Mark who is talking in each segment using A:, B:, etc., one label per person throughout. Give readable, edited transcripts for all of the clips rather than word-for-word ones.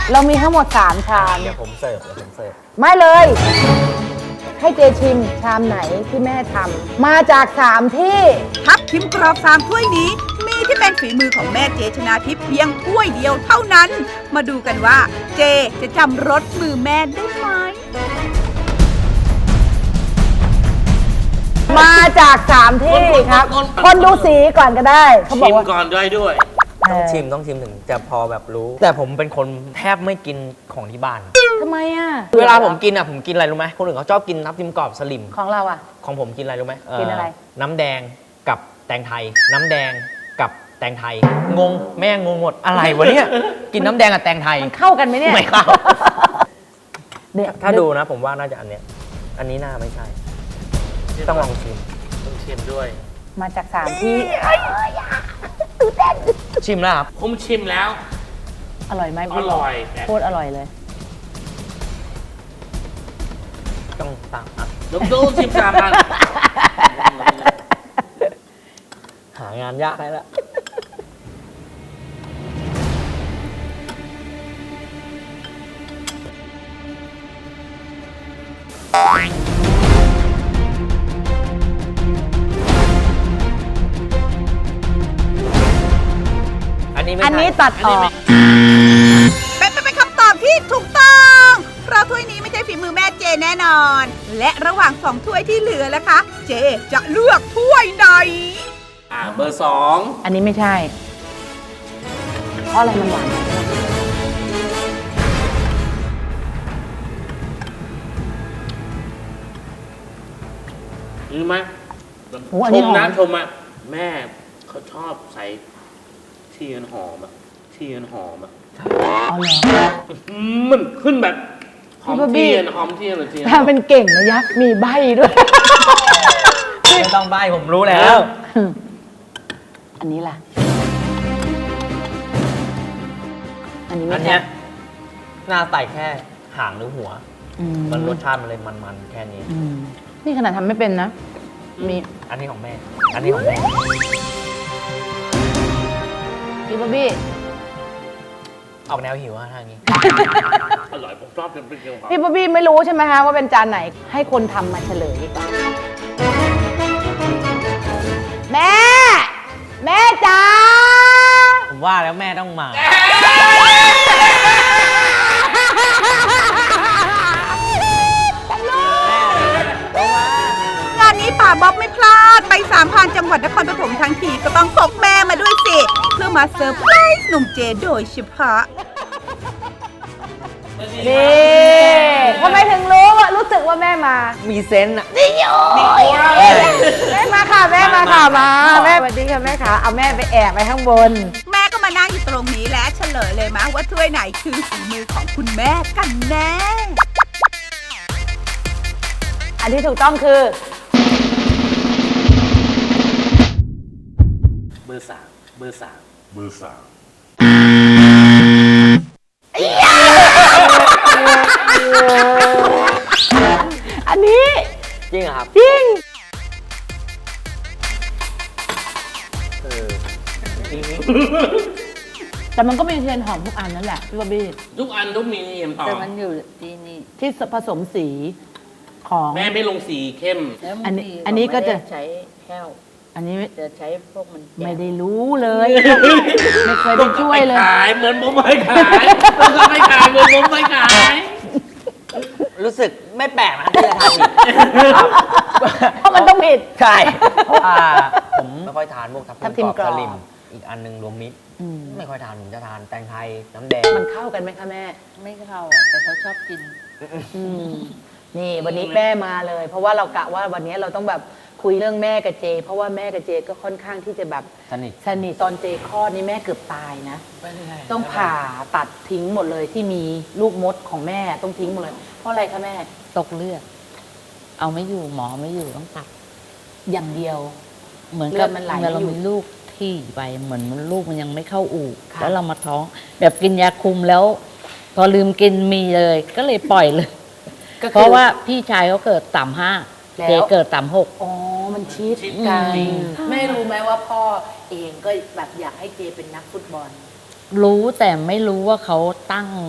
A: เรามีทั้งหมด3ชาม
B: เดี๋ยวผมเสิร์ฟ
A: ไม่เลย ให้เจชิมชามไหนที่แม่ทำมาจาก3ที่
C: ทับทิมกรอบ3ถ้วยนี้ มีที่เป็นฝีมือของแม่เจชนาทิพย์เพียงถ้วยเดียวเท่านั้น มาดูกันว่าเจจะจำรสมือแม่ได้ไหม
A: มาจาก3ที่ครับ คนดูสีก่อนก็ได้เขาบอ
D: ชิ
A: ก
D: ม
A: ว่า
D: ก่อนด้วย
B: ต้องชิมถึงจะพอแบบรู้ แต่ผมเป็นคนแทบไม่กินของที่บ้าน
A: ทำไมอ่ะ
B: เวลาผมกินผมกินอะไรรู้ไหมคนอื่นเขาชอบกินทับทิมกรอบสลิม
A: ของเราอ่ะ
B: ของผมกินอะไรรู้ไหม
A: กินอะไร
B: น้ำแดงกับแตงไทย น้ำแดงกับแตงไทย งงแม่งงหมดอะไรวะเนี่ย กินน้ำแดงกับแตงไทย
A: มันเข้ากันไหมเนี่ย
B: ไม่เข้า
A: เนี่ย
B: ถ้าดูนะผมว่าน่าจะอันเนี้ย อันนี้น่าไม่ใช่
D: ๆ
B: ต้องลองชิม
D: ต้องชิมด้วย
A: มาจาก3ที่
B: ชิมแล้วครับ
D: ผมชิมแล้ว
A: อร่อยไหม
D: อร่อยแต่
A: โคตรอร่อยเลย
B: ต้องตามอ่ะ
D: ดูชิมตามกัน
B: หางานยากได้แล้ว อันนี้ไม่
A: อัน
B: ใช่
A: นี้ตัดออก
C: เป็นคำตอบที่ถูกต้อง เพราะถ้วยนี้ไม่ใช่ฝีมือแม่เจแน่นอน และระหว่าง2ถ้วยที่เหลือล่ะคะ เจจะเลือกถ้วยไหน
D: เบอร์
A: อันนี้ไม่ใช่ เพราะอะไรมันหวาน
D: 2รู้ไหม
A: โอ้อันนี้หอม
D: ชมอ่ะแม่เขาชอบใส่ที่มันหอมอ่ะที่มันหอมอ่ะ
A: อ๋อเหรอ
D: มันขึ้นแบบหอม
A: พี่บ๊อบบี้
D: เทียนหอมเทียนหรือเทียน
A: ถ้าเป็นเก่งนะยักษ์มีใบด้วย
B: ไม่ต้องใบผมรู้แล้ว
A: อันนี้ล่ะ อันนี้
B: อั
A: ไม่
B: น
A: ใช่
B: เนี้ยหน้าใส่แค่หางหรือหัว
A: อื
B: มันรสชาติมันเลยมันๆแค่นี้
A: อืมนี่ขนาดทำไม่เป็นนะ มี
B: อันนี้ของแม่ อันนี้ของแม่
A: พี่บ๊อบบี้
B: ออกแนวหิวอะทางนี้
D: อร่อยผมชอบเป็นเกี๊ยว
A: พี่บ๊อบบี้ไม่รู้ใช่ไหมคะว่าเป็นจานไหน ให้คนทำมาเฉลยดีกว่าแม่ แม่จ๋า
B: ผมว่าแล้วแม่ต้องมา
C: งานนี้ป่าบ๊อบไม่พลาด ไป3,000 จังหวัดนครปฐมทั้งทีก็ต้องพกแม่มาด้วยสิ เพื่อมาเซอร์ไพรส์หนุ่มเจโดยเฉพาะ
A: นี่ทำไมถึงรู้ว่ารู้สึกว่าแม่มา
B: มีเซนส์อะ
A: แม่มาค่ะแม่มาค่ะมาแม่สวัสดีค่ะแม่ค่ะเอาแม่ไปแอบไปข้างบน
C: แม่ก็มานั่งอยู่ตรงนี้และเฉลยเลยมะว่าถ้วยไหนคือฝีมือของคุณแม่กันแน่
A: อันที่ถูกต้องคือ
D: เบอร์สามเบอร์สามเบอร์สาม
A: อันนี้
B: จริงเหรอครับ
A: จริง แต่มันก็มีเทียนหอมทุกอันนั่นแหละพี่บ๊อบบี้
D: ทุกอันต้องมีเอ็มต่อ
E: แต่มันอยู่ที่นี่
A: ที่ผสมสีของ
D: แม่ไม่ลงสีเข้ม
E: แล้ว
A: อันนี้
E: บางที
A: อันนี้ก็จะ
E: ไม่ได้ใช้แห้ว
A: อันนี้
E: จะใช้พวกมันแก่
A: ไม่ได้รู้เลย ไม่เคยได้ช่วยเลย
D: ขายเหมือนผมไม่ขายต้องก็ไม่ขายเหมือนผมไม่ขาย
B: รู้สึกไม่แปลกนะที่จะทานผิด
A: เพราะมันต้องผิด
B: ใช่เพราะว่าผมไม่ค่อยทานพวกทับ
A: ทับทิ
B: ทิ
A: ม
B: ม
A: ก
B: ก
A: ร
B: ร
A: อ
B: อบ บสลิม อีกอันหนึงรวมมิตร
A: อืม
B: ไม่ค่อยทานผมจะทานแตงไทยน้ำแดง
A: มันเข้ากันไหมคะแม่
E: ไม่เข้าอ่ะ แต่เขาชอบกิน
A: อืมนี่วันนี้แม่มาเลย เพราะว่าเรากะว่าวันนี้เราต้องแบบคุยเรื่องแม่กับเจ เพราะว่าแม่กับเจก็ค่อนข้างที่จะแบบ
B: สนิท
A: สนิทตอนเจคลอดนี่แม่เกือบตายนะ ต้องผ่าตัดทิ้งหมดเลยที่มีลูกมดของแม่ต้องทิ้งหมดเลย เพราะอะไรคะแม่
E: ตกเลือด เอาไม่อยู่หมอไม่อยู่ต้องตัด
A: อย่างเดียว
E: เหมือน
A: เลื
E: กั
A: อบ ดมันไหล
E: เมื่อเรา
A: ไม่อยู่
E: มีลูกที่ไปเหมือนลูกมันยังไม่เข้าอู่
A: ค่ะ
E: แล้วเรามาท้อง แบบกินยาคุมแล้ว พอลืมกินมีเลย ก็เลยปล่อยเลย
A: ก็คือ
E: เพราะว่าพี่ชายเขาเกิด3-5
A: แล้ว
E: เจเกิด3-6
A: อ๋อมันชิดกัน
E: อืม
A: แม่รู้ไหมว่าพ่อเองก็แบบอยากให้เจเป็นนักฟุตบอล
E: รู้แต่ไม่รู้ว่าเขาตั้ง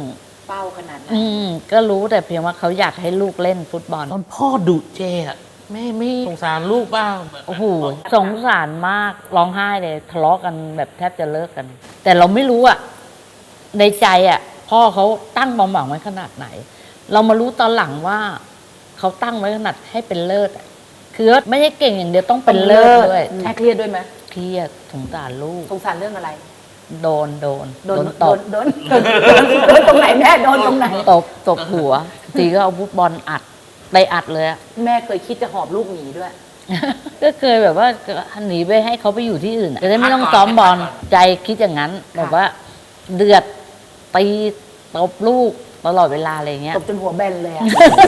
A: เฝ้าขนาดนั้น
E: ก็รู้แต่เพียงว่าเขาอยากให้ลูกเล่นฟุตบอล
D: ตอนพ่อดุเจอะแม่ไม่สงสารลูกบ้าง
E: โอ้โหสงสารมากร้องไห้เลยทะเลาะกันแบบแทบจะเลิกกัน แต่เราไม่รู้อะในใจอะพ่อเขาตั้งความหวังไว้ขนาดไหน เรามารู้ตอนหลังว่าเขาตั้งไว้ขนาดให้เป็นเลิศอะคือไม่ใช่เก่งอย่างเดียวต้องเป็นเลิศด้วย
A: แค่เครียดด้วยไหม
E: เครียดสงสารลูก
A: สงสารเรื่องอะไร
E: โดน
A: โดน
E: ตบ
A: โดนตรงไหนแม่โดนตรงไหน
E: ตบหัวทีก็เอาฟุตบอลอัดไปอัดเลยอะ
A: แม่เคยคิดจะหอบลูกหนีด้วย
E: ก็เคยแบบว่าหนีไปให้เขาไปอยู่ที่อื่นอะจะได้ไม่ต้องซ้อมบอลใจคิดอย่างนั้น แบบว่าเดือดตีตบลูกตลอดเวลาอะไรเงี้ย
A: ตบจนหัวแบนเลยอะ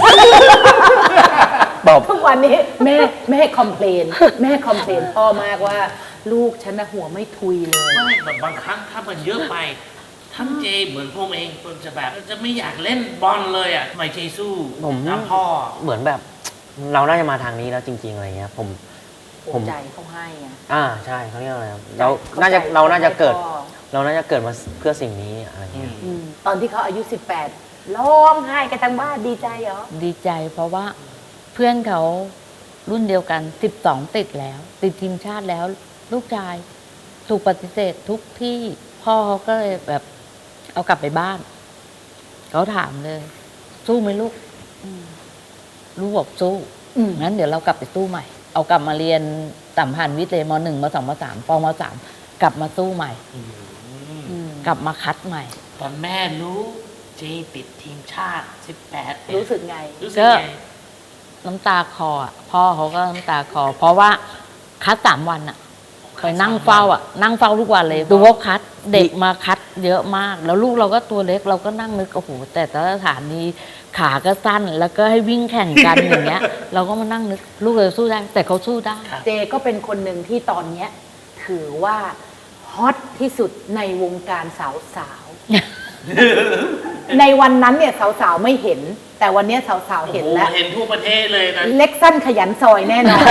B: ตบ
A: ทุกวันนี้แม่คอมเพลนพ่อมากว่า ลูกฉันนะหัวไม่ทุยเลย
D: ไม่แบบบางครั้งถ้ามันเยอะไปท่านเจเหมือนผมเองผมจะแบบจะไม่อยากเล่นบอลเลยอ่ะทำไมเจสู้
B: ผม
D: ตามพ่อ
B: เหมือนแบบเราน่าจะมาทางนี้แล้วจริง ๆอะไรเงี้ยผม
A: หัวใจเขาให้ไง
B: ใช่เขาเรียกอะไรครับเราน่าจะเกิด
A: พ่อ
B: เราน่าจะเกิดมาเพื่อสิ่งนี้อะไรเงี้ย
A: ตอนที่เขาอายุ 18ร้องไห้กันทั้งบ้านดีใจเหรอ
E: ดีใจเพราะว่าเพื่อนเขารุ่นเดียวกัน12ติดแล้ว ติดทีมชาติแล้ว ลูกชายถูกปฏิเสธทุกที่พ่อเขาก็เลยแบบเอากลับไปบ้านเขาถามเลย สู้ไหมลูกลูกบอกสู้ งั้นเดี๋ยวเรากลับไปสู้ใหม่ เอากลับมาเรียนสัมพันธ์วิทย์เลยม .1 ม .2 ม .3 ปม .3 กลับมาสู้ใหม่ กลับมาคัดใหม่
D: ตอนแม่รู้เจติดทีมชาติ18
A: รู้สึกไง
D: รู้สึกไง
E: น้ำตาคออ่ะพ่อเขาก็น้ำตาคอ เพราะว่าคัด3 วันอ่ะไปนั่งเฝ้าอ่ะ นั่งเฝ้าทุกวันเลยดูว่าคัดเด็กมาคัดเยอะมาก แล้วลูกเราก็ตัวเล็กเราก็นั่งนึกโอ้โหแต่ละสถานีขาก็สั้นแล้วก็ให้วิ่งแข่งกัน อย่างเงี้ย เราก็มานั่งนึกลูกเราสู้ได้ แต่เขาสู้ได้
A: เจก็เป็นคนหนึ่งที่ตอนเนี้ยถือว่าฮอตที่สุดในวงการสาวๆ ในวันนั้นเนี่ยสาวๆไม่เห็น แต่วันเนี้ยสาวๆเห็นแล้ว
D: โอ้โหเห็นทั่วประเทศเลยนะ
A: เล็กสั้นขยันซอยแน่นอน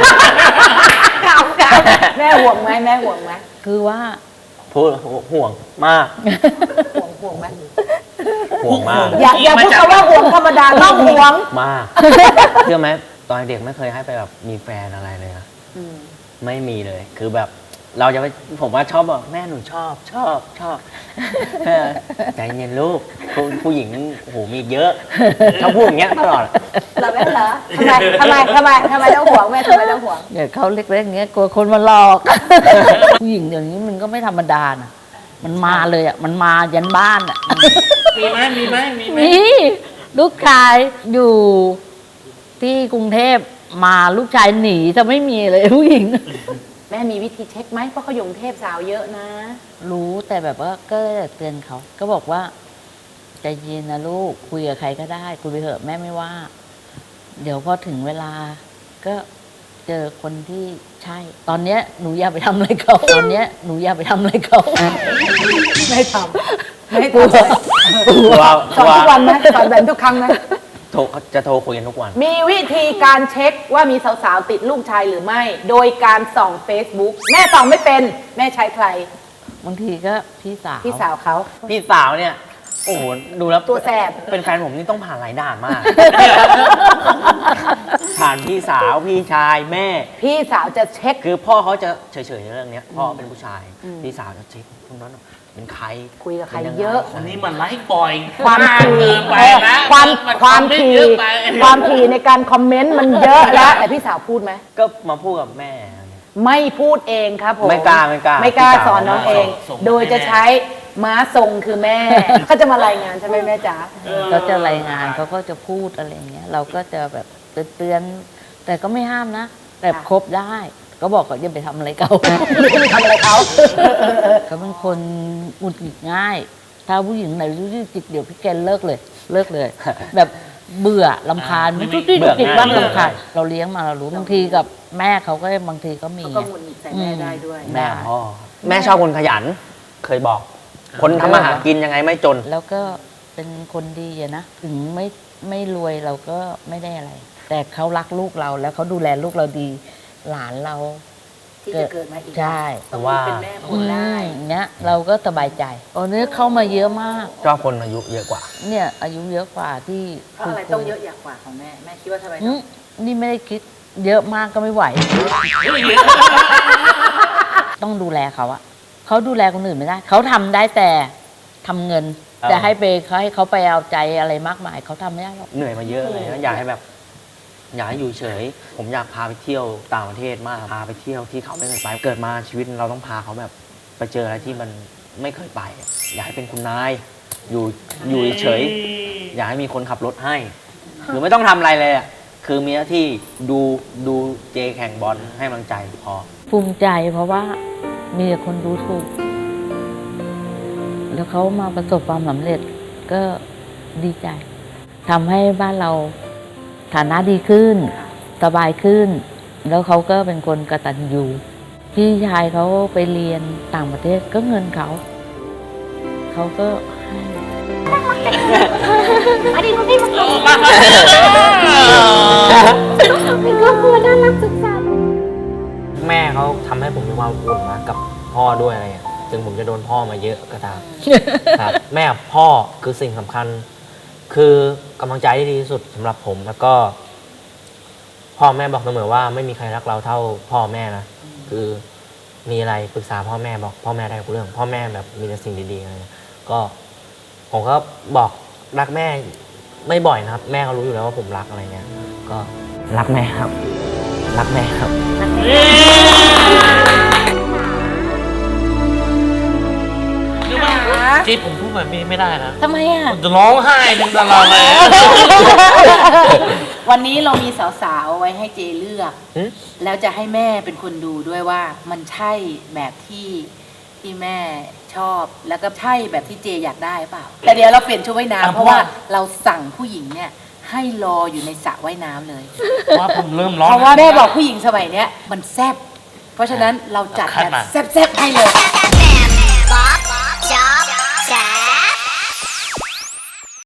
A: ครับแม่ห่วงไหมแม่ห่วงไหม
E: คือว่า
B: พูดห่วงมาก
A: ห่วงไหม
B: ห่วงมาก
A: อย่าพูดคำว่าห่วงธรรมดาต้องห่วง
B: มากเชื่อไหมตอนเด็กไม่เคยให้ไปแบบมีแฟนอะไรเลยนะไม่มีเลยคือแบบเราจะไปผมว่าชอบบอกแม่หนูชอบใจเย็นลูกผู้หญิงโอ้โหมีอีกเยอะชอบพูดอย่างเงี้ยตลอด
A: เราแม่เหรอทำไมต้องห่วงแม่ทำไมต้องห่วง
E: เดี๋ยวเขาเล็กๆอย่างเงี้ยกลัวคนมาหลอก ผู้หญิงเดี๋ยวนี้มันก็ไม่ธรรมดานะมันมาเลยอ่ะมันมายันบ้านอ่ะ
D: มีไหม
E: มีลูกชายอยู่ที่กรุงเทพมาลูกชายหนีจะไม่มีเลยผู้หญิง
A: แม่มีวิธีเช็คไหมเพราะเขาอยู่กรุงเทพสาวเยอะนะ
E: รู้แต่แบบว่าก็เตือนเขาก็บอกว่าใจเย็นนะลูกคุยกับใครก็ได้คุยไปเถอะแม่ไม่ว่า เดี๋ยวพอถึงเวลาก็เจอคนที่ใช่ ตอนเนี้ยหนูอย่าไปทำอะไรเขาตอนเนี้ยหนูอย่าไปทำอะไรเขา
A: ไม่ทำไม่
E: กลัว
A: ทำสอนทุกวันไหมสอนแบบทุกครั้งไหม
B: จะโทรคุยกันทุกวัน
A: มีวิธีการเช็คว่ามีสาวๆติดลูกชายหรือไม่ โดยการส่อง Facebook แม่ส่องไม่เป็นแม่ใช้ใคร
E: บางทีก็พี่สาว
A: พี่สาวเขา
B: พี่สาวเนี่ย โอ้โหดูแล้ว
A: ตัวแสบ
B: เป็นแฟนผมนี่ต้องผ่านหลายด่านมาก ผ่านพี่สาวพี่ชายแม่
A: พี่สาวจะเช็ค
B: คือพ่อเขาจะเฉยๆในเรื่องเนี้ยพ่อเป็นผู้ชาย พี่สาวจะเช็คคนนั้นเป็นใคร
A: คุยกับใคร
B: ป็นงไง
A: เยอะ
D: คนนี้มันไลฟ์บ่อย
A: ความ
D: มาก
A: ถี่
D: เกินไปนะ
A: ความ
D: น
A: ถี่
D: เยอะไป
A: ความถี่ในการคอมเมนต์มันเยอะแล้วแต่พี่สาวพูดไหม
B: ก็มาพูดกับแม่
A: ไม่พูดเองครับผม
B: ไม่กล้า
A: ไม่กล้า
B: พี่สาว
A: สอนน้องเอง
D: ส่ง
A: โดยจะใช้ม้าทรงคือแม่ เขาจะมารายงานใช่ไหมแม่จ๋า
E: เขาจะรายงานเขาก็จะพูดอะไรอย่างเงี้ย เราก็จะแบบเตือนแต่ก็ไม่ห้ามนะแต่คบได้ ก็บอกเขาอย่าไปทำอะไรเขา
A: ไม่ได้ทำอะไรเขา
E: เขาเป็นคนหงุดหงิดง่าย ถ้าผู้หญิงไหนรู้จิกเดี๋ยวพี่แกเลิกเลย แบบเบื่อลำคาญมันจุกจิกจิกบ้างลำคาญเราเลี้ยงมาเรารู้บางทีกับแม่เขาก็บางทีก็มี
A: เขาก็หงุดหงิดใส่แม่ได้ด้วย
B: แม่พ่อแม่ชอบคนขยัน เคยบอก คนทำมาหากินยังไงไม่จน
E: แล้วก็เป็นคนดีอะนะถึงไม่รวยเราก็ไม่ได้อะไร แต่เขารักลูกเราแล้วเขาดูแลลูกเราดี หลานเรา
A: ที่จะเกิดมาอีก
E: ใช่
A: ต้องมีเป็นแม่คนได้
E: อย่างเงี้ยเราก็สบายใจตอนนี้เข้ามาเยอะมาก
B: ชอบคนอายุเยอะกว่า
E: เนี่ยอายุเยอะกว่าที่
A: เพราะอะไรต้องเยอะอย่างกว่าของแม่แม่คิดว่าทำไม
E: อื
A: ต้อง
E: มนี่ไม่ได้คิดเยอะมากก็ไม่ไหว ต้องดูแลเขาอะเขาดูแลคนอื่นไม่ได้ เขาทำได้แต่ทำเงิน
B: ครับ
E: จะให้เขาไปเอาใจอะไรมากมายเขาทำไม่ได้หรอก
B: เหนื่อยมาเยอะเลยนะอยากให้แบบ อยากให้อยู่เฉย ผมอยากพาไปเที่ยวต่างประเทศมากพาไปเที่ยวที่เขาไม่เคยไปเกิดมาชีวิตเราต้องพาเขาแบบไปเจออะไรที่มันไม่เคยไป อยากให้เป็นคุณนายอยู่เฉย อยากให้มีคนขับรถให้คือไม่ต้องทำอะไรเลยอ่ะคือมีหน้าที่ดูเจแข่งบอลให้กำลังใจพอ
E: ภูมิใจเพราะว่ามีแต่คนดูถูก แล้วเขามาประสบความสำเร็จก็ดีใจทำให้บ้านเราฐานะดีขึ้น สบายขึ้น แล้วเขาก็เป็นคนกตัญญูพี่ชายเขาไปเรียนต่างประเทศก็เงินเขาก็ให้
A: เป็นครอบครัวน่ารักสุดสันต์
F: แม่เขาทำให้ผมมีความอบอุ่นนะกับพ่อด้วยอะไรอย่างถึงผมจะโดนพ่อมาเยอะก็ตาม ครับแม่กับพ่อคือสิ่งสำคัญ คือกำลังใจที่ดีที่สุดสำหรับผมแล้วก็ พ่อแม่บอกเสมอว่าไม่มีใครรักเราเท่าพ่อแม่นะคือมีอะไรปรึกษาพ่อแม่บอกพ่อแม่ได้ทุกเรื่อง พ่อแม่แบบมีแต่สิ่งดีๆอะไรก็ผมก็บอกรักแม่ไม่บ่อยนะครับ แม่เขารู้อยู่แล้วว่าผมรักอะไรเงี้ยก็รักแม่ครับ รักแม่ครับ
D: รู้ไหมที่ผมพูดแบบนี้ไม่ได้นะ
E: ทำไมอ่ะ
D: ผมจะร้องไห้เป็นตลอดเลย
A: วันนี้เรามีสาวๆไว้ให้เจเลือก
F: หึ
A: แล้วจะให้แม่เป็นคนดูด้วยว่ามันใช่แบบที่แม่ชอบ แล้วก็ใช่แบบที่เจอยากได้เปล่า แต่เดี๋ยวเราเปลี่ยนชุดว่ายน้ำเพราะว่าเราสั่งผู้หญิงเนี่ยให้รออยู่ในสระว่ายน้ำเลย
D: ว่าผมเริ่มร้อง
A: เพราะว่าแม่บอกผู้หญิงสมัยเนี้ยมันแซ่บเพราะฉะนั้นเราจัดแบบแซ่บๆให้เลย